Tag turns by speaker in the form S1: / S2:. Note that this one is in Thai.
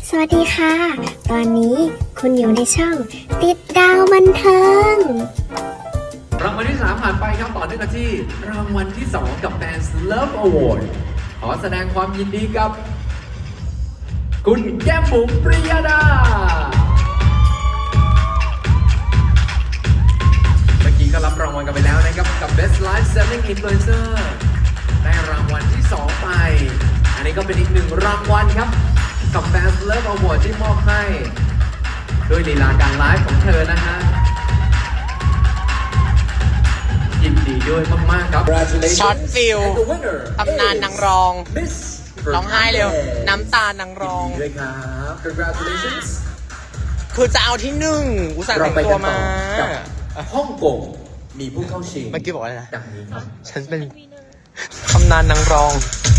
S1: สวัสดีค่ะ ตอนนี้คุณอยู่ในช่องติดดาวบันเทิง
S2: รางวัลที่ 3 ผ่านไปครับต่อเนื่องกันที่รางวัลที่ 2 กับ Fans Love Award ขอแสดงความยินดีกับคุณแก้มบุ๋มปริยดาเมื่อกี้ก็รับรางวัลกันไปแล้วนะครับกับ Best Live Selling Influencer ได้รางวัลที่ 2 ไปอันนี้ก็เป็นอีกหนึ่งรางวัลครับกับ Fans Love Award ที่มอบให้ด้วยลีลาการไลฟ์ของเธอนะฮะยินดีด้วยมากๆครับ
S3: ช็อตฟิลตำนานนางรองร้องไห้เร็วน้ำตานางรอง
S2: ด้วยครับ congratulations
S3: คือจะเอาที่หนึ่งอุตส่าห์แต่งตัวมา
S2: กับฮ่องกงมีผู้เข้าชิง
S3: เมื่อกี้บอกว่าอะไรนะ
S2: ดังนี้ครับ
S3: ฉันเป็นตำนานนางรอง